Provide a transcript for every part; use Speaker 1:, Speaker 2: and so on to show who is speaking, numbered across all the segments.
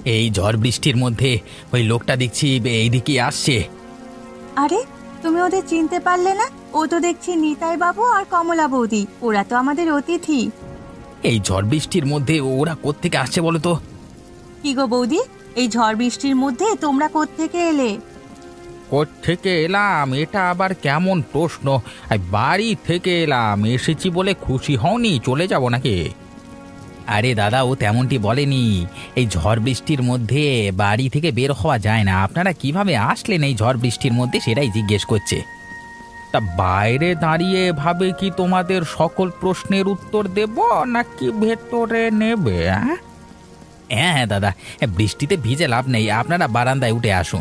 Speaker 1: এই ঝড় বৃষ্টির মধ্যে ওই লোকটা দেখছি এইদিকে আসছে।
Speaker 2: আরে, তুমি ওদের চিনতে পারলে না? ও তো দেখছি নিতাই বাবু আর কমলা বৌদি, ওরা তো আমাদের অতিথি।
Speaker 1: এই ঝড় বৃষ্টির মধ্যে ওরা কোত্থেকে আসছে বলো তো?
Speaker 2: কি গো বৌদি, এই ঝড় বৃষ্টির মধ্যে তোমরা কোত্থেকে এলে?
Speaker 1: কোত্থেকে এলাম এটা আবার কেমন প্রশ্ন? বাড়ি থেকে এলাম, এসেছি বলে খুশি হওনি চলে যাব নাকি? আরে দাদা, ও তেমনটি বলেনি। এই ঝড় বৃষ্টির মধ্যে বাড়ি থেকে বের হওয়া যায় না, আপনারা কিভাবে আসলেন এই ঝড় বৃষ্টির মধ্যে সেটাই জিজ্ঞেস করছে। তা বাইরে দাঁড়িয়ে ভাবে কি তোমাদের সকল প্রশ্নের উত্তর দেব নাকি ভেতরে নেবে? হ্যাঁ হ্যাঁ দাদা, বৃষ্টিতে ভিজে লাভ নেই, আপনারা বারান্দায় উঠে আসুন।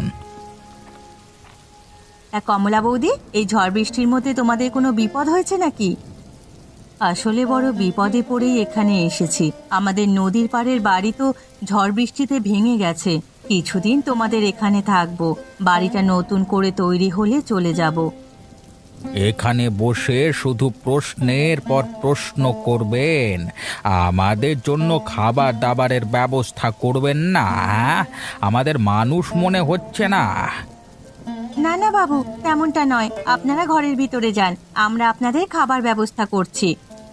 Speaker 2: কমলা বৌদি, এই ঝড় বৃষ্টির মধ্যে তোমাদের কোনো বিপদ হয়েছে নাকি? আসলে বড় বিপদে পড়েই এখানে এসেছি। আমাদের নদীর পাড়ের বাড়ি তো ঝড় বৃষ্টিতে ভেঙে গেছে। কিছুদিন তোমাদের এখানে থাকবো, বাড়িটা নতুন করে তৈরি হলে চলে যাব।
Speaker 1: এখানে বসে শুধু প্রশ্নের পর প্রশ্ন করবেন, আমাদের জন্য খাবার দাবারের ব্যবস্থা করবেন না? আমাদের মানুষ মনে হচ্ছে না?
Speaker 2: না না বাবু, তেমনটা নয়, আপনারা ঘরের ভিতরে যান, আমরা আপনাদের খাবার ব্যবস্থা করছি।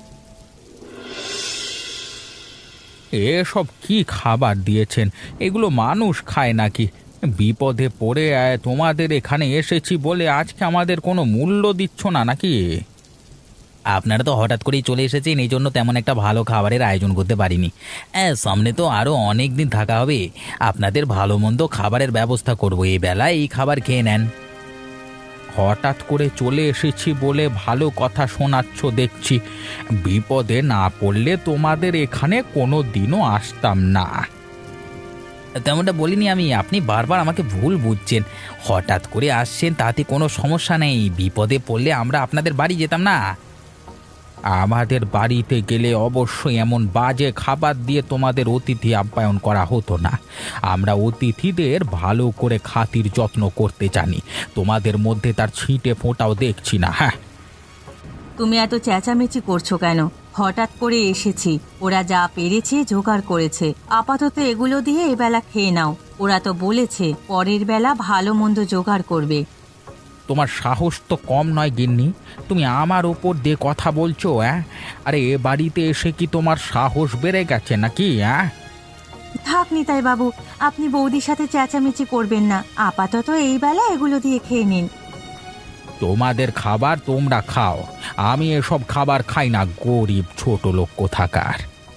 Speaker 1: এসব কি খাবার দিয়েছেন? এগুলো মানুষ খায় নাকি? বিপদে পড়ে তোমাদের এখানে এসেছি বলে আজকে আমাদের কোনো মূল্য দিচ্ছ না নাকি? আপনারা তো হঠাৎ করেই চলে এসেছেন, এই জন্য তেমন একটা ভালো খাবারের আয়োজন করতে পারিনি। সামনে তো আরও অনেক দিন থাকা হবে, আপনাদের ভালো মন্দ খাবারের ব্যবস্থা করব, এই বেলায় এই খাবার খেয়ে নেন। হঠাৎ করে চলে এসেছি বলে ভালো কথা শোনাচ্ছ দেখছি। বিপদে না পড়লে তোমাদের এখানে কোনো দিনও আসতাম না। তেমনটা বলিনি আমি, আপনি বারবার আমাকে ভুল বুঝছেন। হঠাৎ করে আসছেন তাতে কোনো সমস্যা নেই, বিপদে পড়লে আমরা আপনাদের বাড়ি যেতাম না? আমাদের বাড়িতে গেলে অবশ্যই এমন বাজে খাবার দিয়ে তোমাদের অতিথি আপ্যায়ন করা হতো না। আমরা অতিথিদের ভালো করে খাতির যত্ন করতে জানি, তোমাদের মধ্যে তার ছিটে ফোঁটাও দেখছি না। হ্যাঁ,
Speaker 2: তুমি এত চেঁচামেচি করছো কেন? হঠাৎ করে এসেছি, ওরা যা পেরেছে জোগাড় করেছে, আপাতত এগুলো দিয়ে এবেলা খেয়ে নাও। ওরা তো বলেছে পরের বেলা ভালো মন্দ জোগাড় করবে।
Speaker 1: তোমার সাহস তো কম নয় গিন্নি, তুমি আমার ওপর দিয়ে কথা বলছো? আরে এ বাড়িতে এসে কি তোমার সাহস বেড়ে গেছে নাকি?
Speaker 2: থাক নিতাই বাবু, আপনি বৌদির সাথে চেঁচামেচি করবেন না, আপাতত এই বেলা এগুলো দিয়ে খেয়ে নিন।
Speaker 1: তোমাদের খাবার তোমরা খাও, আমি এসব খাবার খাই না, গরিব ছোট লোক কোথাকার।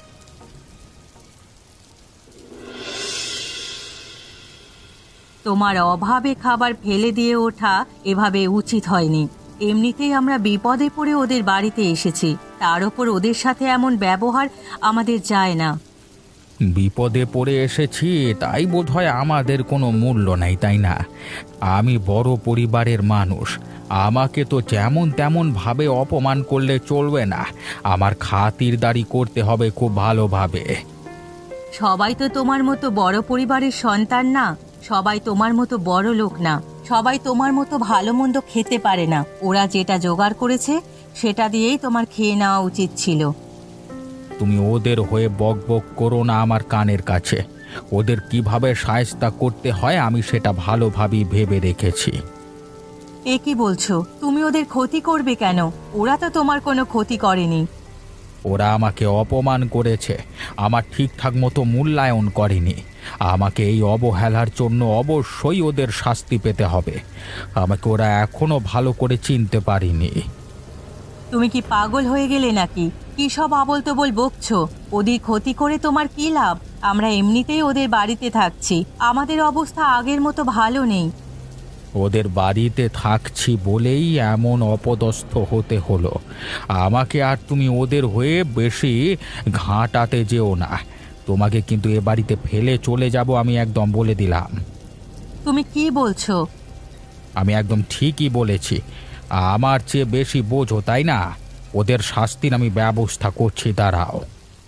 Speaker 2: তোমার অভাবে খাবার ফেলে দিয়ে ওঠা এভাবে উচিত হয়নি। এমনিতেই আমরা বিপদে পড়ে ওদের বাড়িতে এসেছি, তার ওপর ওদের সাথে এমন ব্যবহার আমাদের যায় না।
Speaker 1: বিপদে পড়ে এসেছি তাই বোধহয় আমাদের কোনো মূল্য নেই, তাই না? আমি বড় পরিবারের মানুষ, আমাকে তো যেমন তেমন ভাবে অপমান করলে চলবে না, আমার খাতিরদারি করতে হবে খুব ভালোভাবে।
Speaker 2: সবাই তো তোমার মতো বড় পরিবারের সন্তান না, সবাই তোমার মতো বড় লোক না, সবাই তোমার মতো ভালো মন্দ খেতে পারে না। ওরা যেটা জোগাড় করেছে সেটা দিয়েই তোমার খেয়ে নেওয়া উচিত ছিল।
Speaker 1: তুমি ওদের হয়ে বক বক করো না আমার কানের কাছে। ওদের কিভাবে শায়েস্তা করতে হয় আমি সেটা ভালোভাবেই ভেবে রেখেছি।
Speaker 2: এ কি বলছো? তুমি ওদের ক্ষতি করবে কেন? ওরা তো তোমার কোনো ক্ষতি করেনি।
Speaker 1: ওরা আমাকে অপমান করেছে, আমার ঠিকঠাক মতো মূল্যায়ন করেনি। আমাকে এই অবহেলার জন্য অবশ্যই ওদের শাস্তি পেতে হবে। আমাকে ওরা এখনো ভালো করে চিনতে পারিনি।
Speaker 2: তুমি কি পাগল হয়ে গেলে নাকি? কি সব আবোল তাবোল বকছো? ওদের ক্ষতি করে তোমার কি লাভ? আমরা এমনিতেই ওদের বাড়িতে থাকছি, আমাদের অবস্থা আগের মতো ভালো নেই।
Speaker 1: ওদের বাড়িতে থাকছি বলেই এমন অপদস্থ হতে হলো আমাকে। আর তুমি ওদের হয়ে বেশি ঘাঁটাতে যেও না, তোমাকে কিন্তু এ বাড়িতে ফেলে চলে যাব আমি, একদম বলে দিলাম।
Speaker 2: তুমি কি বলছো?
Speaker 1: আমি একদম ঠিকই বলেছি, আমার চেয়ে বেশি বোঝো তাই না? ওদের শাস্তির আমি ব্যবস্থা করছি, দাঁড়াও।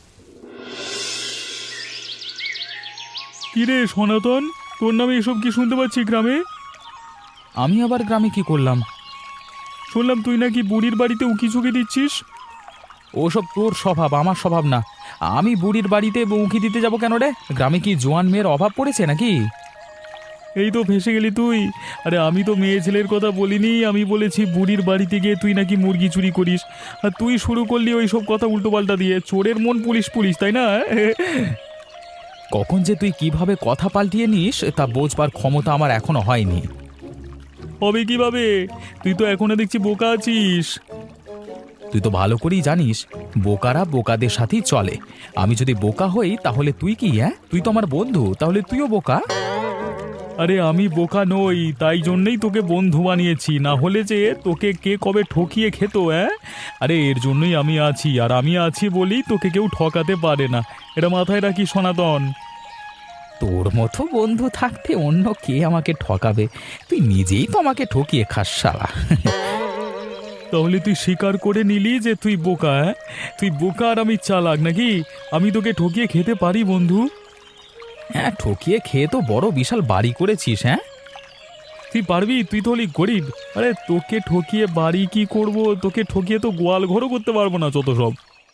Speaker 3: কিরে সনাতন, তোর নামে এসব কি শুনতে পাচ্ছি গ্রামে?
Speaker 1: আমি আবার গ্রামে কি করলাম?
Speaker 3: শুনলাম তুই নাকি বুড়ির বাড়িতে উকি ঝুঁকি দিচ্ছিস।
Speaker 1: ওসব তোর স্বভাব, আমার স্বভাব না। আমি বুড়ির বাড়িতে উঁকি দিতে যাব কেন রে? গ্রামে কি জোয়ান মেয়ের অভাব পড়েছে নাকি?
Speaker 3: এই তো ফেঁসে গেলি তুই। আরে আমি তো মেয়ে ছেলের কথা বলিনি, আমি বলেছি বুড়ির বাড়িতে গিয়ে তুই নাকি মুরগি চুরি করিস, আর তুই শুরু করলি ওই সব কথা উল্টোপাল্টা দিয়ে। চোরের মন পুলিশ পুলিশ, তাই না?
Speaker 1: কখন যে তুই কিভাবে কথা পাল্টিয়ে নিস তা বোঝবার ক্ষমতা আমার এখনো হয়নি।
Speaker 3: হবে কিভাবে? তুই তো এখনো দেখছি বোকা আছিস।
Speaker 1: তুই তো ভালো করেই জানিস বোকারা বোকাদের সাথেই চলে। আমি যদি বোকা হই তাহলে তুই কি? তুই তো আমার বন্ধু, তাহলে তুইও বোকা।
Speaker 3: আরে আমি বোকা নই, তাই জন্যই তোকে বন্ধু বানিয়েছি, না হলে যে তোকে কে কবে ঠকিয়ে খেত। আরে এর জন্যই আমি আছি, আর আমি আছি বলেই তোকে কেউ ঠকাতে পারে না, এটা মাথায় রাখি সনাতন।
Speaker 1: তোর মতো বন্ধু থাকতে অন্য কে আমাকে ঠকাবে? তুই নিজেই তো আমাকে ঠকিয়ে খাস শালা।
Speaker 3: তাহলে তুই স্বীকার করে নিলি যে তুই বোকা? তুই বোকা আর আমি চালাক নাকি? আমি তোকে ঠকিয়ে খেতে পারি বন্ধু?
Speaker 1: হ্যাঁ, ঠকিয়ে খেয়ে তো বড় বিশাল বাড়ি করেছিস।
Speaker 3: তুই পারবি? তুই তো হলি গরিব। আরে তোকে ঠকিয়ে বাড়ি কি করব? তোকে ঠকিয়ে তো গোয়াল ঘরও করতে পারবো না, যত সব।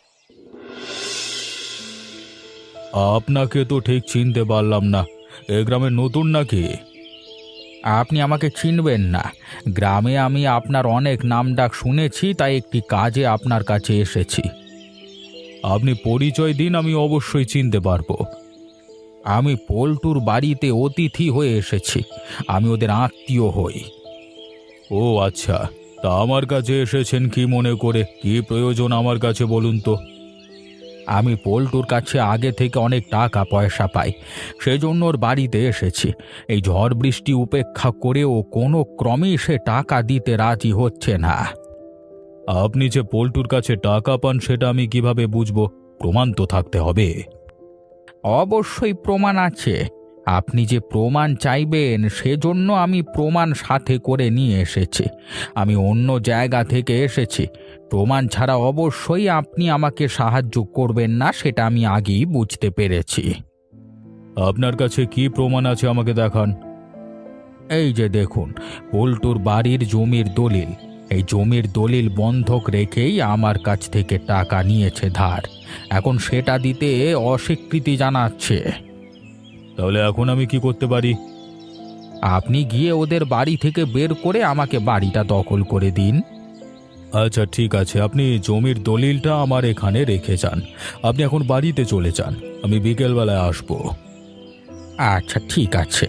Speaker 1: আপনাকে তো ঠিক চিনতে পারলাম না, এ গ্রামের নতুন নাকি? আপনি আমাকে চিনবেন না। গ্রামে আমি আপনার অনেক নামডাক শুনেছি, তাই একটি কাজে আপনার কাছে এসেছি। আপনি পরিচয় দিন, আমি অবশ্যই চিনতে পারবো। আমি পল্টুর বাড়িতে অতিথি হয়ে এসেছি, আমি ওদের আত্মীয় হই। ও আচ্ছা, তা আমার কাছে এসেছেন কি মনে করে? কি প্রয়োজন আমার কাছে বলুন তো? আমি পল্টুর কাছে আগে থেকে অনেক টাকা পয়সা পাই, সেজন্য ওর বাড়িতে এসেছি। এই ঝড় বৃষ্টি উপেক্ষা করেও কোনো ক্রমেই সে টাকা দিতে রাজি হচ্ছে না। আপনি যে পল্টুর কাছে টাকা পান সেটা আমি কিভাবে বুঝবো? প্রমাণ তো থাকতে হবে। অবশ্যই প্রমাণ আছে। আপনি যে প্রমাণ চাইবেন সেজন্য আমি প্রমাণ সাথে করে নিয়ে এসেছি। আমি অন্য জায়গা থেকে এসেছি, প্রমাণ ছাড়া অবশ্যই আপনি আমাকে সাহায্য করবেন না, সেটা আমি আগেই বুঝতে পেরেছি। আপনার কাছে কি প্রমাণ আছে আমাকে দেখান। এই যে দেখুন, পল্টুর বাড়ির জমির দলিল। এই জমির দলিল বন্ধক রেখেই আমার কাছ থেকে টাকা নিয়েছে ধার, এখন সেটা দিতে অস্বীকৃতি জানাচ্ছে। তাহলে এখন আমি কি করতে পারি? আপনি গিয়ে ওদের বাড়ি থেকে বের করে আমাকে বাড়িটা দখল করে দিন। আচ্ছা ঠিক আছে, আপনি জমির দলিলটা আমার এখানে রেখে যান। আপনি এখন বাড়িতে চলে যান, আমি বিকেলবেলায় আসব। আচ্ছা ঠিক আছে।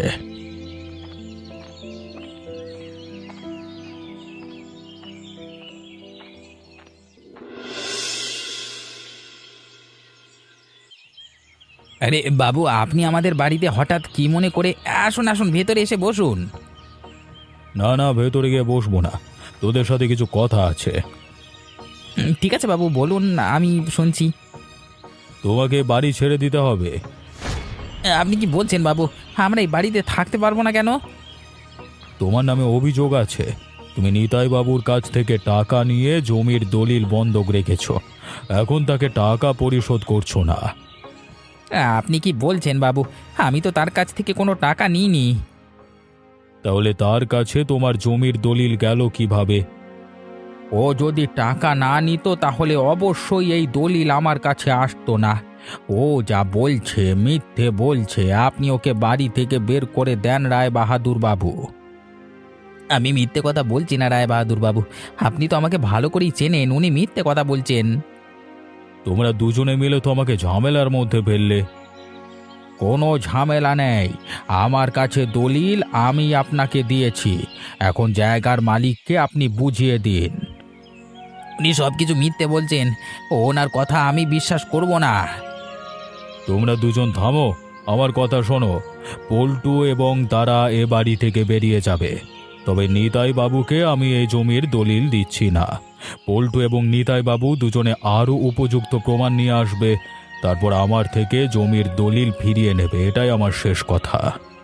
Speaker 1: আরে বাবু, আপনি আমাদের বাড়িতে হঠাৎ কি মনে করে? আসুন আসুন, ভেতরে এসে বসুন। না না, ভেতরে গিয়ে বসবো না, তোদের সাথে কিছু কথা আছে। ঠিক আছে বাবু, বলুন, আমি শুনছি। তোমাকে বাড়ি ছেড়ে দিতে হবে। আপনি কি বলছেন বাবু? আমরা এই বাড়িতে থাকতে পারবো না কেন? তোমার নামে অভিযোগ আছে, তুমি নিতাই বাবুর কাছ থেকে টাকা নিয়ে জমির দলিল বন্ধক রেখেছ, এখন তাকে টাকা পরিশোধ করছো না। আপনি কি বলছেন বাবু? আমি তো তার কাছ থেকে কোনো টাকা নিইনি। তাহলে তার কাছে তোমার জমির দলিল গেল কিভাবে? ও যদি টাকা না নিত তাহলে অবশ্যই এই দলিল আমার কাছে আসতো না। ও যা বলছে মিথ্যে বলছে। আপনি ওকে বাড়ি থেকে বের করে দেন রায় বাহাদুর বাবু। আমি মিথ্যে কথা বলছি না রায় বাহাদুর বাবু, আপনি তো আমাকে ভালো করেই চেনেন, উনি মিথ্যে কথা বলছেন। তোমরা দুজনে মিলে তো আমাকে ঝামেলার মধ্যে ফেললে। কোনো ঝামেলা নেই, আমার কাছে দলিল আমি আপনাকে দিয়েছি, এখন জায়গার মালিককে আপনি বুঝিয়ে দিন। উনি সব কিছু মিথ্যে বলছেন, ওনার কথা আমি বিশ্বাস করব না। তোমরা দুজন থামো, আমার কথা শোনো। পল্টু এবং তারা এ বাড়ি থেকে বেরিয়ে যাবে, তবে নিতাই বাবুকে আমি এই জমির দলিল দিচ্ছি না। পল্টু এবং নিতাই বাবু দুজনে আরও উপযুক্ত প্রমাণ নিয়ে আসবে, তারপর আমার থেকে জমির দলিল ফিরিয়ে নেবে, এটাই আমার শেষ কথা।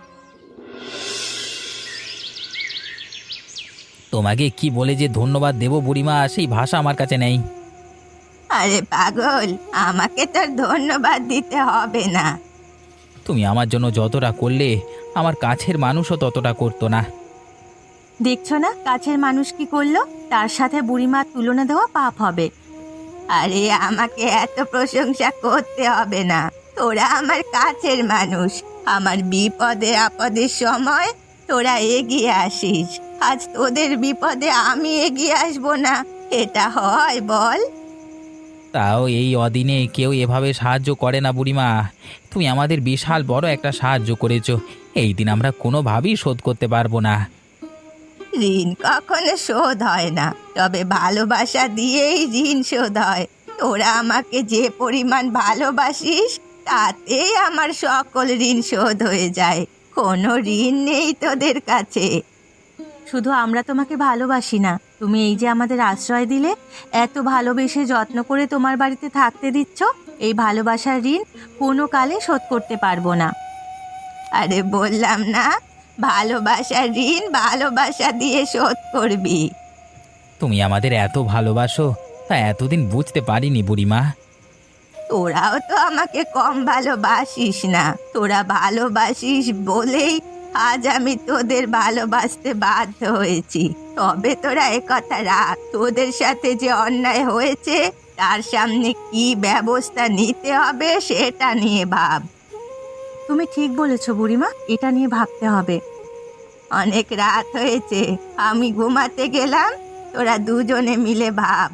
Speaker 1: তোমাকে কি বলে যে ধন্যবাদ দেব বুড়িমা, সেই ভাষা আমার কাছে নেই।
Speaker 2: আরে পাগল, আমাকে তোর ধন্যবাদ দিতে হবে না।
Speaker 1: তুমি আমার জন্য যতটা করলে আমার কাছের মানুষও ততটা করতো না।
Speaker 2: দেখছো না কাছের মানুষ কি করলো? তার সাথে বুড়িমার তুলনা দেওয়া পাপ হবে। আরে আমাকে এত প্রশংসা করতে হবে না, তোরা আমার কাছের মানুষ। আমার বিপদে আপদের সময় তোরা এগিয়ে আসিস, আজ তোদের বিপদে আমি এগিয়ে আসবো না, এটা হয় বল?
Speaker 1: তাও এই অদিনে কেউ এভাবে সাহায্য করে না বুড়িমা। তুমি আমাদের বিশাল বড় একটা সাহায্য করেছো, এই দিন আমরা কোনোভাবেই শোধ করতে পারবো না।
Speaker 2: ঋণ কখনো শোধ হয় না, তবে ভালোবাসা দিয়েই ঋণ শোধ হয়। তোরা আমাকে যে পরিমাণ ভালোবাসিস তাতেই আমার সকল ঋণ শোধ হয়ে যায়। কোনো ঋণ নেই তোদের কাছে। শুধু আমরা তোমাকে ভালোবাসি না, তুমি এই যে আমাদের আশ্রয় দিলে, এত ভালোবেসে যত্ন করে তোমার বাড়িতে থাকতে দিচ্ছ, এই ভালোবাসার ঋণ কোনো কালে শোধ করতে পারবো না। আরে বললাম না, ভালোবাসার ঋণ ভালোবাসা দিয়ে শোধ করবি।
Speaker 1: তুমি আমাদের এত ভালোবাসো, তা এতদিন বুঝতে পারিনি বুড়িমা।
Speaker 2: তোরাও তো আমাকে কম ভালোবাসিস না, তোরা ভালোবাসিস বলেই আজ আমি তোদের ভালোবাসতে বাধ্য হয়েছি। তবে তোরা একথা রাখ, তোদের সাথে যে অন্যায় হয়েছে তার সামনে কি ব্যবস্থা নিতে হবে সেটা নিয়ে ভাব। তুমি ঠিক বলেছ বুড়িমা, এটা নিয়ে ভাবতে হবে। অনেক রাত হয়েছে, আমি ঘুমাতে গেলাম, তোরা দুজনে মিলে ভাব।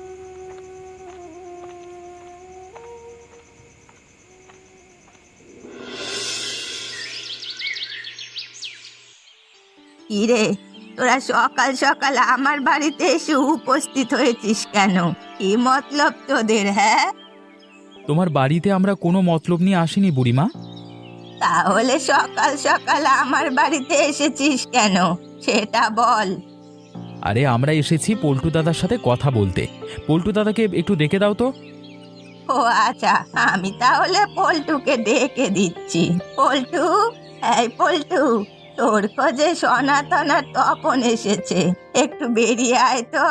Speaker 2: কিরে, তোরা সকাল সকাল আমার বাড়িতে এসে উপস্থিত হয়েছিস কেন? কি মতলব তোদের, হ্যাঁ?
Speaker 3: তোমার বাড়িতে আমরা কোনো মতলব নিয়ে আসিনি বুড়িমা।
Speaker 2: তাহলে সকাল সকাল আমার বাড়িতে এসেছিস কেন সেটা বল।
Speaker 3: আরে আমরা এসেছি পল্টু দাদার সাথে কথা বলতে। পল্টু দাদাকে একটু ডেকে দাও তো।
Speaker 2: ও আচ্ছা, আমি তাহলে পল্টুকে ডেকে দিচ্ছি। পল্টু, এই পল্টু, তোর খোঁজে সনাতন আর তপন এসেছে, একটু বেরিয়ে আয় তো।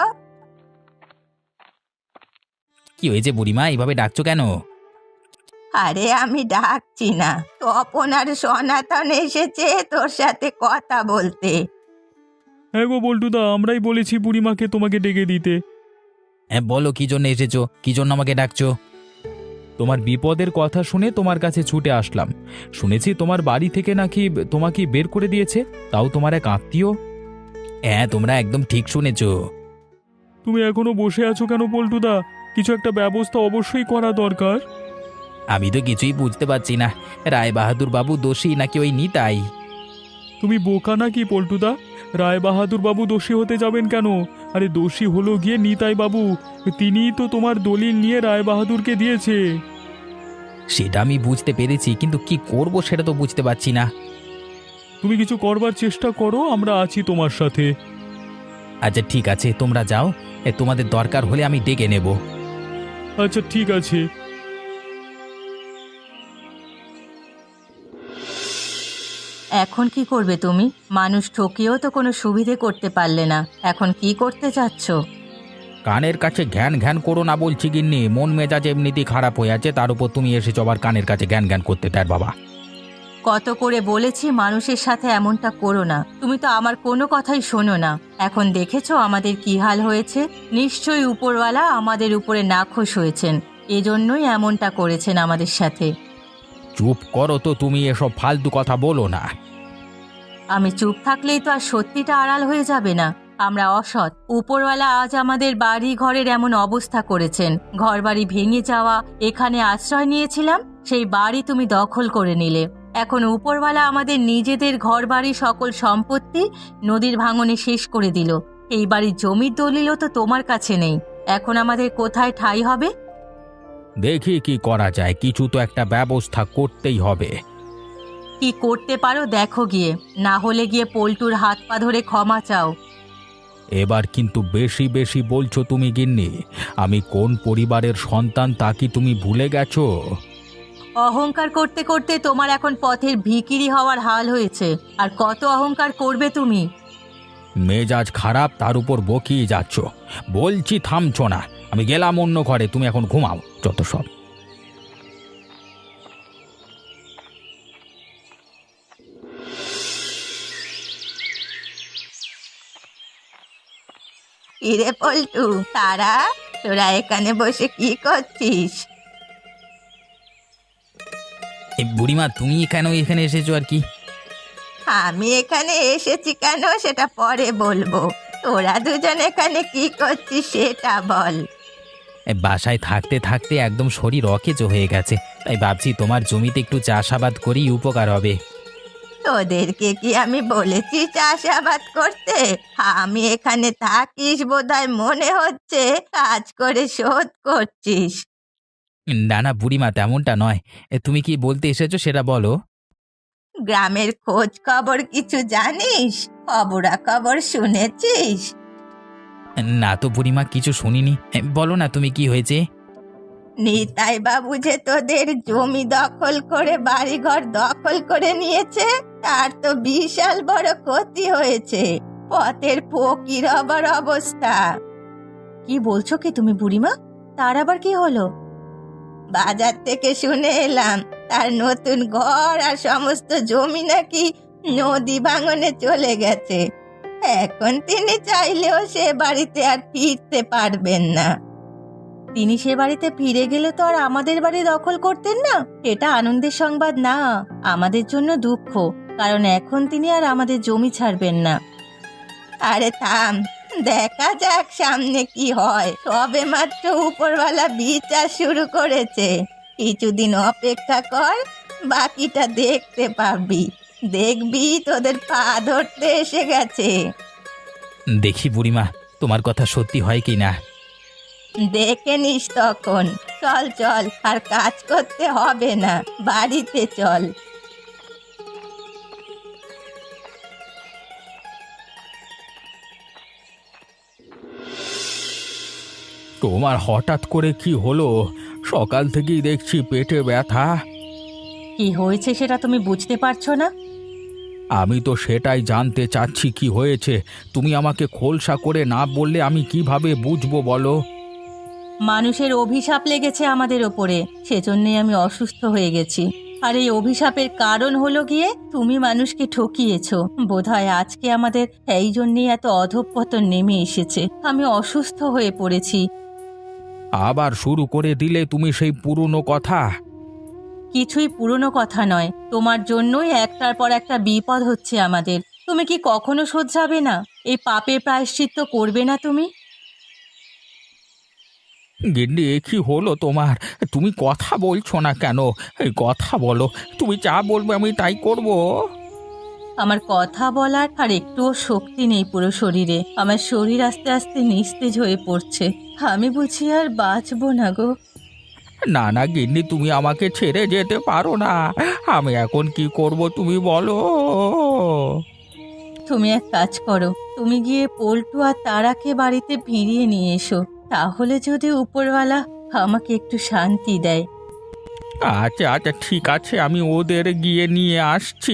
Speaker 1: কি হয়েছে বুড়িমা, এইভাবে ডাকছো কেন?
Speaker 2: আরে আমি ডাকছি না, তপন আর সনাতন এসেছে তোর সাথে কথা বলতে।
Speaker 3: হ্যাঁ গো পল্টুদা, আমরাই বলেছি বুড়িমাকে তোমাকে ডেকে দিতে।
Speaker 1: হ্যাঁ বলো, কি জন্য এসেছো, কি জন্য আমাকে ডাকছো?
Speaker 3: তোমার বিপদের কথা শুনে তোমার কাছে ছুটে আসলাম। শুনেছি তোমার বাড়ি থেকে নাকি তোমাকে বের করে দিয়েছে, তাও তোমার এক আত্মীয়।
Speaker 1: হ্যাঁ, তোমরা একদম ঠিক শুনেছো।
Speaker 3: তুমি এখনো বসে আছো কেন পল্টুদা? কিছু একটা ব্যবস্থা অবশ্যই করা দরকার।
Speaker 1: আমি তো কিছুই বুঝতে পারছি না, রায় বাহাদুর বাবু দোষী নাকি ওই নিতাই।
Speaker 3: তুমি বোকা নাকি পল্টুদা? রায় বাহাদুর বাবু দোষী হতে যাবেন কেন? আরে দোষী হলো গিয়ে নিতাই বাবু, তিনিই তো তোমার দলিল নিয়ে রায় বাহাদুরকে দিয়েছে।
Speaker 1: সেটা আমি বুঝতে পেরেছি, কিন্তু কি করব সেটা তো বুঝতে পারছি না।
Speaker 3: তুমি কিছু করবার চেষ্টা করো, আমরা আছি তোমার সাথে।
Speaker 1: আচ্ছা ঠিক আছে, তোমরা যাও, তোমাদের দরকার হলে আমি ডেকে নেব।
Speaker 3: আচ্ছা ঠিক আছে।
Speaker 2: এখন কি করবে তুমি? মানুষ ঠকিয়েও তো কোনো সুবিধে করতে পারলে না, এখন কি করতে চাচ্ছ?
Speaker 1: কানের কাছে ঘ্যান ঘ্যান করো না বলছি গিন্নি, মন মেজাজ এমনিতেই খারাপ হয়ে আছে, তার উপর তুমি এসেছো আবার কানের কাছে ঘ্যান ঘ্যান করতে। তার বাবা,
Speaker 2: কত করে বলেছি মানুষের সাথে এমনটা করো না, তুমি তো আমার কোনো কথাই শোনো না। এখন দেখেছো আমাদের কি হাল হয়েছে, নিশ্চয়ই উপরওয়ালা আমাদের উপরে নাখোশ হয়েছেন, এজন্যই এমনটা করেছেন আমাদের সাথে।
Speaker 1: চুপ করো তো তুমি, এসব ফালতু কথা বলো না।
Speaker 2: আমি চুপ থাকলেই তো আর সত্যিটা আড়াল হয়ে যাবে না। আমরা অসৎ, উপরওয়ালা আজ আমাদের বাড়ি ঘরের এমন অবস্থা করেছেন, ঘরবাড়ি ভেঙে যাওয়া, এখানে আশ্রয় নিয়েছিলাম, সেই বাড়ি তুমি দখল করে নিলে। এখন উপরওয়ালা আমাদের নিজেদের ঘরবাড়ি সকল সম্পত্তি নদীর ভাঙনে শেষ করে দিল। এই বাড়ির জমির দলিলও তো তোমার কাছে নেই, এখন আমাদের কোথায় ঠাঁই হবে?
Speaker 1: দেখি কি করা যায়, কিছু তো একটা ব্যবস্থা করতেই হবে।
Speaker 2: কি করতে পারো দেখো গিয়ে, না হলে গিয়ে পল্টুর হাত পা ধরে ক্ষমা চাও।
Speaker 1: এবার কিন্তু বেশি বেশি বলছো তুমি গিন্নি, আমি কোন পরিবারের সন্তান তা কি তুমি ভুলে গেছো?
Speaker 2: অহংকার করতে করতে তোমার এখন পথের ভিখিরি হওয়ার হাল হয়েছে, আর কত অহংকার করবে তুমি?
Speaker 1: মেজাজ খারাপ, তার উপর বকিয়ে যাচ্ছ, বলছি থামছো না। আমি গেলাম অন্য ঘরে, তুমি এখন ঘুমাও, যত সব।
Speaker 2: ইরে পল্টু, তারা তোরা এখানে বসে কি করছিস?
Speaker 1: এই বুড়িমা তুমি কেন এখানে এসেছো আর কি?
Speaker 2: আমি এখানে এসেছি কেন সেটা পরে বলবো। তোরা দুজন এখানে কি করছিস সেটা বল।
Speaker 1: বাসায় থাকতে থাকতে একদম শরীর অকেজো হয়ে গেছে, তাই ভাবছি তোমার জমিতে একটু চাষাবাদ করেই উপকার হবে।
Speaker 2: তোদেরকে কি আমি বলেছি চাষাবাদ করতে? আমি এখানে থাকিস বোধহয় মনে হচ্ছে কাজ করে শোধ করছিস।
Speaker 1: না না বুড়িমা, তেমনটা নয়। তুমি কি বলতে এসেছো সেটা বলো।
Speaker 2: গ্রামের খোঁজ খবর কিছু জানিস? খবরাখবর শুনেছিস?
Speaker 1: না তো বুড়িমা, কিছু শুনিনি। বলো না তুমি, কি হয়েছে?
Speaker 2: নিতাই বাবু যে তোদের জমি দখল করে বাড়িঘর দখল করে নিয়েছে, তার তো বিশাল বড় ক্ষতি হয়েছে। পথের ফকির হবার অবস্থা। কি বলছো কি তুমি বুড়িমা? তার আবার কি হলো? বাজার থেকে শুনে এলাম তার নতুন ঘর আর সমস্ত জমি নাকি নদী ভাঙনে চলে গেছে। এখন তিনি চাইলেও সে বাড়িতে আর ফিরতে পারবেন না। তিনি সে বাড়িতে ফিরে গেলে তো আর আমাদের বাড়ি দখল করতেন না। এটা আনন্দের সংবাদ না, আমাদের জন্য দুঃখ, কারণ এখন তিনি আর আমাদের জমি ছাড়বেন না। আরে থাম, দেখা যাক সামনে কি হয়। সবে মাত্র উপরওয়ালা বিচার শুরু করেছে। কিছুদিন অপেক্ষা কর, বাকিটা দেখতে পাবি। দেখবি তোদের পা ধরতে এসে গেছে।
Speaker 1: দেখি বুড়িমা, তোমার কথা সত্যি হয় কি না।
Speaker 2: দেখে নিস তখন। চল চল, আর কাজ করতে হবে না, বাড়িতে চল।
Speaker 1: তোমার হঠাৎ করে কি হলো? সকাল থেকেই দেখছি পেটে ব্যথা।
Speaker 2: কি হয়েছে সেটা তুমি বুঝতে পারছো না?
Speaker 1: আমি তো সেটাই জানতে চাচ্ছি কি হয়েছে। তুমি আমাকে খোলসা করে না বললে আমি কিভাবে বুঝবো বলো?
Speaker 2: মানুষের অভিশাপ লেগেছে আমাদের ওপরে, সেজন্যই আমি অসুস্থ হয়ে গেছি। আর এই অভিশাপের কারণ হলো গিয়ে তুমি মানুষকে ঠকিয়েছো। বোধহয় আজকে আমাদের এই জন্যই এত অধঃপতন নেমে এসেছে। আমি অসুস্থ হয়ে পড়েছি।
Speaker 1: আবার শুরু করে দিলে তুমি সেই পুরনো কথা।
Speaker 2: কিছুই পুরনো কথা নয়, তোমার জন্যই একটার পর একটা বিপদ হচ্ছে আমাদের। তুমি কি কখনো শোধরাবে না? এই পাপের প্রায়শ্চিত্ত করবে না তুমি?
Speaker 1: গিন্নি, এ কি হলো তোমার? তুমি কথা বলছো না কেন? এই কথা বলো, তুমি যা বলবে আমি তাই করব।
Speaker 2: আমার কথা বলার আর একটুও শক্তি নেই পুরো শরীরে। আমার শরীর আস্তে আস্তে নিস্তেজ হয়ে পড়ছে। আমি বুঝি আর বাঁচবো না গো।
Speaker 1: না না গিন্নি, তুমি আমাকে ছেড়ে যেতে পারো না। আমি এখন কি করব তুমি বলো।
Speaker 2: তুমি এক কাজ করো, তুমি গিয়ে পল্টু আর তারাকে বাড়িতে ফিরিয়ে নিয়ে এসো। তাহলে যদি উপরওয়ালা আমাকে একটু শান্তি দেয়।
Speaker 1: আচ্ছা আচ্ছা, ঠিক আছে, আমি ওদের গিয়ে নিয়ে আসছি।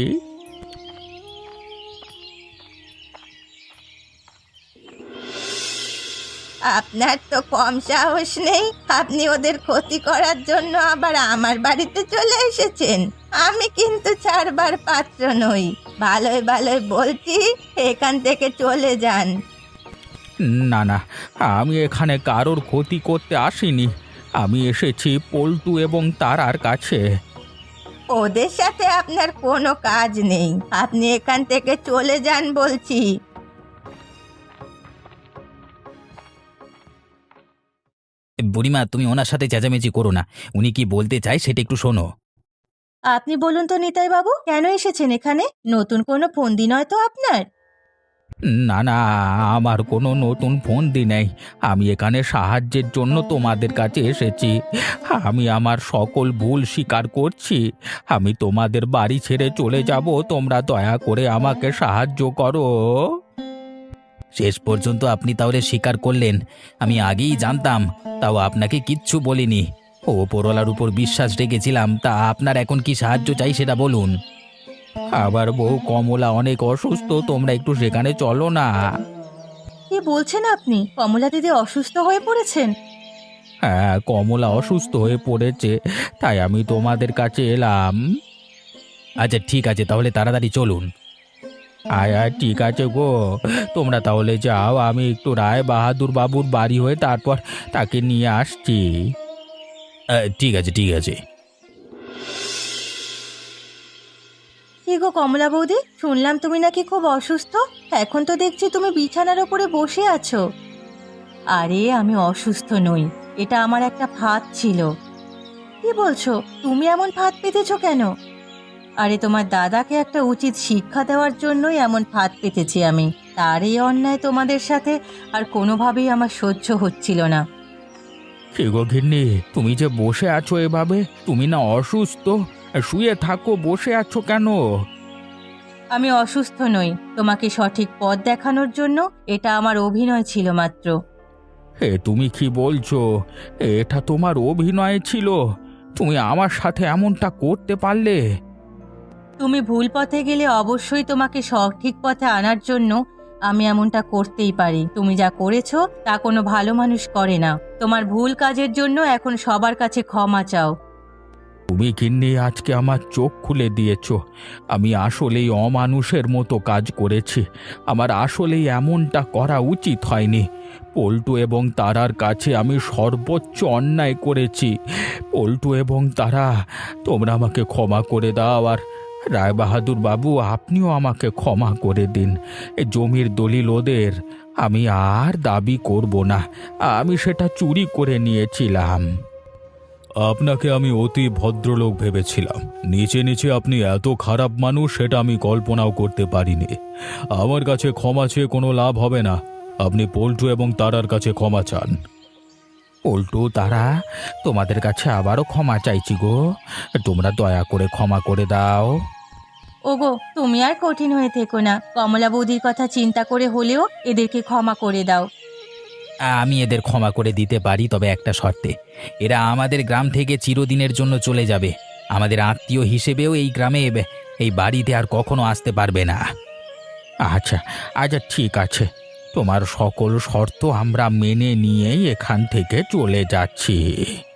Speaker 2: আপনার তো কম সাহস নেই, আপনি ওদের ক্ষতি করার জন্য আবার আমার বাড়িতে চলে এসেছেন। আমি কিন্তু ছাড়বার পাত্র নই। ভালোই ভালোই বলছি, এখান থেকে চলে যান।
Speaker 1: না না, আমি এখানে কারোর ক্ষতি করতে আসিনি। আমি এসেছি পল্টু এবং তারার কাছে।
Speaker 2: ওদের সাথে আপনার কোনো কাজ নেই, আপনি এখান থেকে চলে যান বলছি।
Speaker 1: বুড়িমা, তুমি ওনার সাথে চেঁচামেচি করো না। উনি কি বলতে চায় সেটা একটু শোনো।
Speaker 2: আপনি বলুন তো নিতাই বাবু, কেন এসেছেন এখানে? নতুন কোনো ফন্দি নয় তো আপনার?
Speaker 1: না না, আমার কোনো নতুন ফন্দি নেই। আমি এখানে সাহায্যের জন্য তোমাদের কাছে এসেছি। আমি আমার সকল ভুল স্বীকার করছি। আমি তোমাদের বাড়ি ছেড়ে চলে যাব, তোমরা দয়া করে আমাকে সাহায্য করো। শেষ পর্যন্ত আপনি তাহলে স্বীকার করলেন। আমি আগেই জানতাম, তাও আপনাকে কিচ্ছু বলিনি। ওপরওয়ালার উপর বিশ্বাস রেখেছিলাম। তা আপনার এখন কি সাহায্য চাই সেটা বলুন। আবার বউ কমলা অনেক অসুস্থ, তোমরা একটু সেখানে চলো না।
Speaker 2: কি বলছেন আপনি? কমলা দিদি অসুস্থ হয়ে পড়েছেন?
Speaker 1: হ্যাঁ, কমলা অসুস্থ হয়ে পড়েছে, তাই আমি তোমাদের কাছে এলাম। আচ্ছা ঠিক আছে, তাহলে তাড়াতাড়ি চলুন। আয় আয় ঠিক আছে গো, তোমরা তাহলে যাও, আমি একটু রায় বাহাদুর বাবুর বাড়ি হয়ে তারপর তাকে নিয়ে আসছি। ঠিক আছে ঠিক আছে।
Speaker 2: কি গো কমলা বৌদি, শুনলাম তুমি নাকি খুব অসুস্থ। এখন তো দেখছি তুমি বিছানার ওপরে বসে আছো। আরে আমি অসুস্থ নই, এটা আমার একটা ফাঁদ ছিল। কি বলছো, তুমি এমন ফাঁদ পেতেছো কেন? আরে তোমার দাদাকে একটা উচিত শিক্ষা দেওয়ার জন্যই এমন ফাঁদ পেতেছি আমি। তার এই অন্যায় তোমাদের সাথে আর কোনোভাবেই আমার সহ্য হচ্ছিল না।
Speaker 1: কি গো গিন্নি, তুমি যে বসে আছো এভাবে, তুমি না অসুস্থ? শুয়ে থাকো, বসে আছো কেন?
Speaker 2: আমি অসুস্থ নই, তোমাকে সঠিক পথ দেখানোর জন্য এটা আমার অভিনয় ছিল মাত্র।
Speaker 1: তুমি কি বলছো? এটা তোমার অভিনয় ছিল? তুমি আমার সাথে এমনটা করতে পারলে?
Speaker 2: তুমি ভুল পথে গেলে অবশ্যই তোমাকে সঠিক পথে আনার জন্য আমি এমনটা করতেই পারি। তুমি যা করেছো তা কোনো ভালো মানুষ করে না। তোমার ভুল কাজের জন্য এখন সবার কাছে ক্ষমা চাও।
Speaker 1: তুমি গিন্নি আজকে আমার চোখ খুলে দিয়েছো। আমি আসলেই অমানুষের মতো কাজ করেছি। আমার আসলেই এমনটা করা উচিত হয়নি। পল্টু এবং তারার কাছে আমি সর্বোচ্চ অন্যায় করেছি। পল্টু এবং তারা, তোমরা আমাকে ক্ষমা করে দাও। আর রায়বাহাদুর বাবু, আপনিও আমাকে ক্ষমা করে দিন। এ জমির দলিল ওদের, আমি আর দাবি করব না। আমি সেটা চুরি করে নিয়েছিলাম।
Speaker 3: আপনাকে আমি অতি ভদ্রলোক ভেবেছিলাম, নিচে নিচে আপনি এত খারাপ মানুষ সেটা আমি কল্পনাও করতে পারিনি। আমার কাছে ক্ষমা চেয়ে কোনো লাভ হবে না, আপনি পল্টু এবং তারার কাছে ক্ষমা চান।
Speaker 1: পল্টু, তারা, তোমাদের কাছে আবারও ক্ষমা চাইছি গো। তোমরা দয়া করে ক্ষমা করে দাও।
Speaker 2: ওগো, তুমি আর কঠিন হয়ে থেকো না। কমলা বৌদির কথা চিন্তা করে হলেও এদেরকে ক্ষমা করে দাও।
Speaker 1: আমি এদের ক্ষমা করে দিতে পারি, তবে একটা শর্তে। এরা আমাদের গ্রাম থেকে চিরদিনের জন্য চলে যাবে। আমাদের আত্মীয় হিসেবেও এই গ্রামে, এই বাড়িতে আর কখনো আসতে পারবে না। আচ্ছা আচ্ছা, ঠিক আছে। তোমার সকল শর্ত আমরা মেনে নিয়েই এখান থেকে চলে যাচ্ছি।